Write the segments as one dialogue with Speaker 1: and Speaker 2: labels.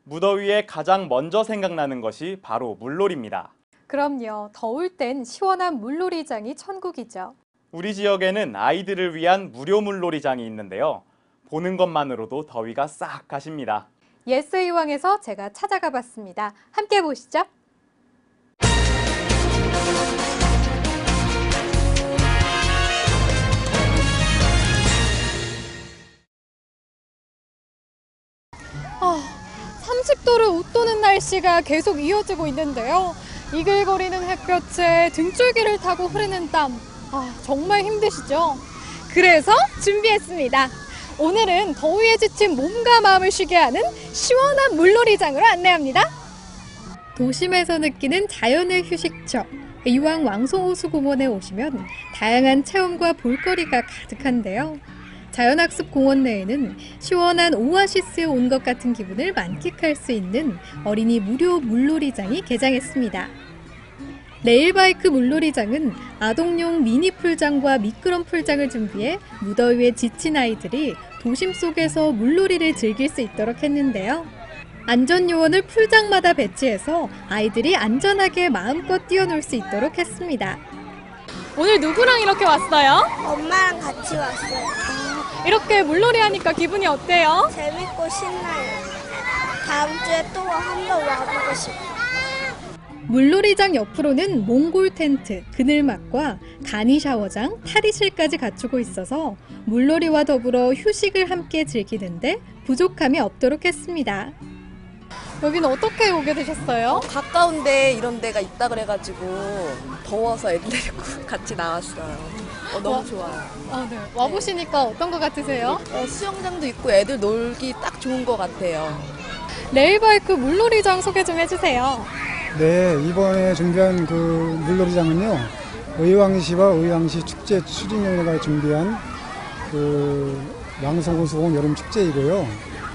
Speaker 1: 무더위에 가장 먼저 생각나는 것이 바로 물놀이입니다.
Speaker 2: 그럼요. 더울 땐 시원한 물놀이장이 천국이죠.
Speaker 1: 우리 지역에는 아이들을 위한 무료 물놀이장이 있는데요. 보는 것만으로도 더위가 싹 가십니다.
Speaker 2: 예스 이왕에서 제가 찾아가 봤습니다. 함께 보시죠. 아, 30도를 웃도는 날씨가 계속 이어지고 있는데요. 이글거리는 햇볕에 등줄기를 타고 흐르는 땀. 정말 힘드시죠? 그래서 준비했습니다. 오늘은 더위에 지친 몸과 마음을 쉬게 하는 시원한 물놀이장으로 안내합니다. 도심에서 느끼는 자연의 휴식처, 이왕 왕송호수공원에 오시면 다양한 체험과 볼거리가 가득한데요. 자연학습공원 내에는 시원한 오아시스에 온 것 같은 기분을 만끽할 수 있는 어린이 무료 물놀이장이 개장했습니다. 레일바이크 물놀이장은 아동용 미니 풀장과 미끄럼 풀장을 준비해 무더위에 지친 아이들이 도심 속에서 물놀이를 즐길 수 있도록 했는데요. 안전요원을 풀장마다 배치해서 아이들이 안전하게 마음껏 뛰어놀 수 있도록 했습니다. 오늘 누구랑 이렇게 왔어요?
Speaker 3: 엄마랑 같이 왔어요.
Speaker 2: 이렇게 물놀이 하니까 기분이 어때요?
Speaker 3: 재밌고 신나요. 다음 주에 또 한번 와보고 싶어요.
Speaker 2: 물놀이장 옆으로는 몽골 텐트, 그늘막과 간이 샤워장, 탈의실까지 갖추고 있어서 물놀이와 더불어 휴식을 함께 즐기는데 부족함이 없도록 했습니다. 여기는 어떻게 오게 되셨어요?
Speaker 4: 가까운데 이런 데가 있다 그래가지고 더워서 애들 데리고 같이 나왔어요. 너무 좋아요.
Speaker 2: 네. 와보시니까 어떤 것 같으세요?
Speaker 4: 수영장도 있고 애들 놀기 딱 좋은 것 같아요.
Speaker 2: 레일바이크 물놀이장 소개 좀 해주세요.
Speaker 5: 네, 이번에 준비한 그 물놀이장은요, 의왕시와 의왕시 축제 추진위원회가 준비한 그 왕송호수공원 여름축제이고요.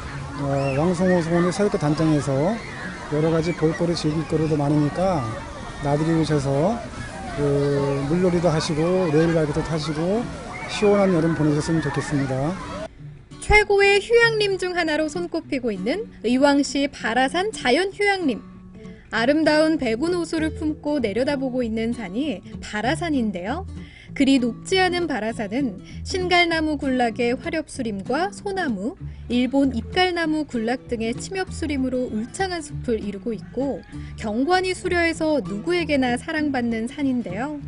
Speaker 5: 왕송호수공원의 사육가 단장에서 여러 가지 볼거리 즐길 거리도 많으니까 나들이 오셔서 그 물놀이도 하시고 레일바이크도 타시고 시원한 여름 보내셨으면 좋겠습니다.
Speaker 2: 최고의 휴양림 중 하나로 손꼽히고 있는 의왕시 바라산 자연휴양림. 아름다운 백운 호수를 품고 내려다보고 있는 산이 바라산인데요. 그리 높지 않은 바라산은 신갈나무 군락의 화렵수림과 소나무, 일본 잎갈나무 군락 등의 침엽수림으로 울창한 숲을 이루고 있고 경관이 수려해서 누구에게나 사랑받는 산인데요.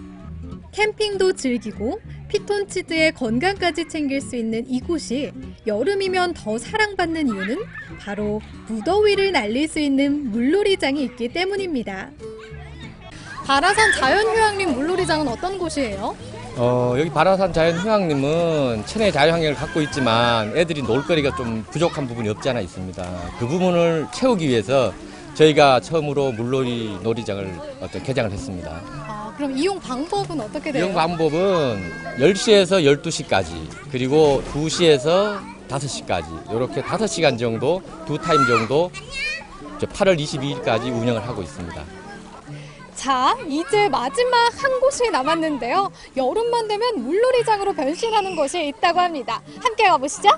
Speaker 2: 캠핑도 즐기고 피톤치드의 건강까지 챙길 수 있는 이곳이 여름이면 더 사랑받는 이유는 바로 무더위를 날릴 수 있는 물놀이장이 있기 때문입니다. 바라산 자연휴양림 물놀이장은 어떤 곳이에요?
Speaker 6: 여기 바라산 자연휴양림은 천혜의 자유환경을 갖고 있지만 애들이 놀거리가 좀 부족한 부분이 없지 않아 있습니다. 그 부분을 채우기 위해서 저희가 처음으로 물놀이 놀이장을 개장을 했습니다.
Speaker 2: 그럼 이용 방법은 어떻게 돼요?
Speaker 6: 이용 방법은 10시에서 12시까지 그리고 2시에서 5시까지 이렇게 5시간 정도 두 타임 정도 8월 22일까지 운영을 하고 있습니다.
Speaker 2: 자, 이제 마지막 한 곳이 남았는데요. 여름만 되면 물놀이장으로 변신하는 곳이 있다고 합니다. 함께 가보시죠.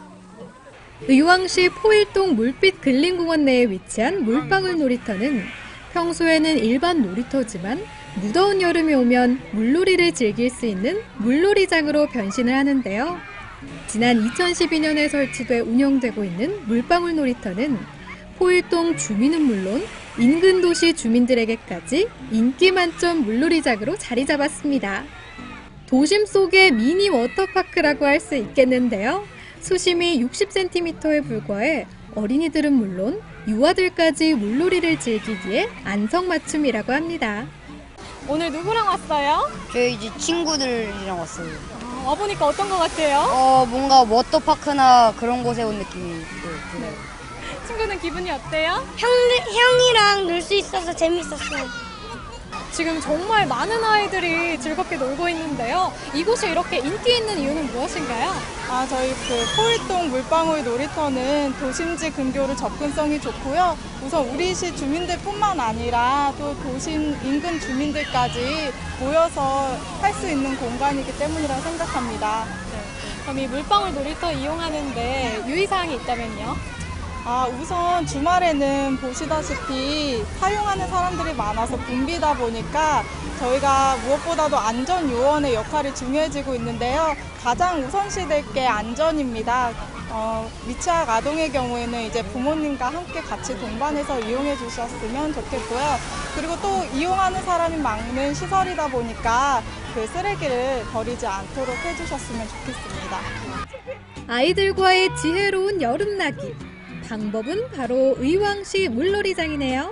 Speaker 2: 의왕시 포일동 물빛 근린공원 내에 위치한 물방울 놀이터는 평소에는 일반 놀이터지만 무더운 여름이 오면 물놀이를 즐길 수 있는 물놀이장으로 변신을 하는데요. 지난 2012년에 설치돼 운영되고 있는 물방울 놀이터는 포일동 주민은 물론 인근 도시 주민들에게까지 인기 만점 물놀이장으로 자리 잡았습니다. 도심 속의 미니 워터파크라고 할 수 있겠는데요. 수심이 60cm에 불과해 어린이들은 물론 유아들까지 물놀이를 즐기기에 안성맞춤이라고 합니다. 오늘 누구랑 왔어요?
Speaker 7: 저희 이제 친구들이랑 왔어요.
Speaker 2: 와보니까 어떤 것 같아요?
Speaker 7: 뭔가 워터파크나 그런 곳에 온 느낌이 들어요.
Speaker 2: 친구는 기분이 어때요?
Speaker 3: 형이랑 놀 수 있어서 재밌었어요.
Speaker 2: 지금 정말 많은 아이들이 즐겁게 놀고 있는데요. 이곳이 이렇게 인기 있는 이유는 무엇인가요?
Speaker 8: 저희 포일동 물방울 놀이터는 도심지 근교로 접근성이 좋고요. 우선 우리 시 주민들뿐만 아니라 또 도심 인근 주민들까지 모여서 할 수 있는 공간이기 때문이라고 생각합니다.
Speaker 2: 그럼 이 물방울 놀이터 이용하는데 유의사항이 있다면요?
Speaker 8: 우선 주말에는 보시다시피 사용하는 사람들이 많아서 붐비다 보니까 저희가 무엇보다도 안전 요원의 역할이 중요해지고 있는데요. 가장 우선시될 게 안전입니다. 미취학 아동의 경우에는 이제 부모님과 함께 같이 동반해서 이용해 주셨으면 좋겠고요. 그리고 또 이용하는 사람이 많은 시설이다 보니까 그 쓰레기를 버리지 않도록 해주셨으면 좋겠습니다.
Speaker 2: 아이들과의 지혜로운 여름나기. 방법은 바로 의왕시 물놀이장이네요.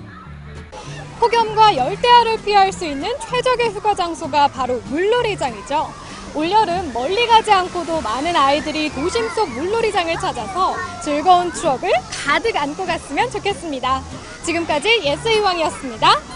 Speaker 2: 폭염과 열대야를 피할 수 있는 최적의 휴가 장소가 바로 물놀이장이죠. 올여름 멀리 가지 않고도 많은 아이들이 도심 속 물놀이장을 찾아서 즐거운 추억을 가득 안고 갔으면 좋겠습니다. 지금까지 예스의왕이었습니다.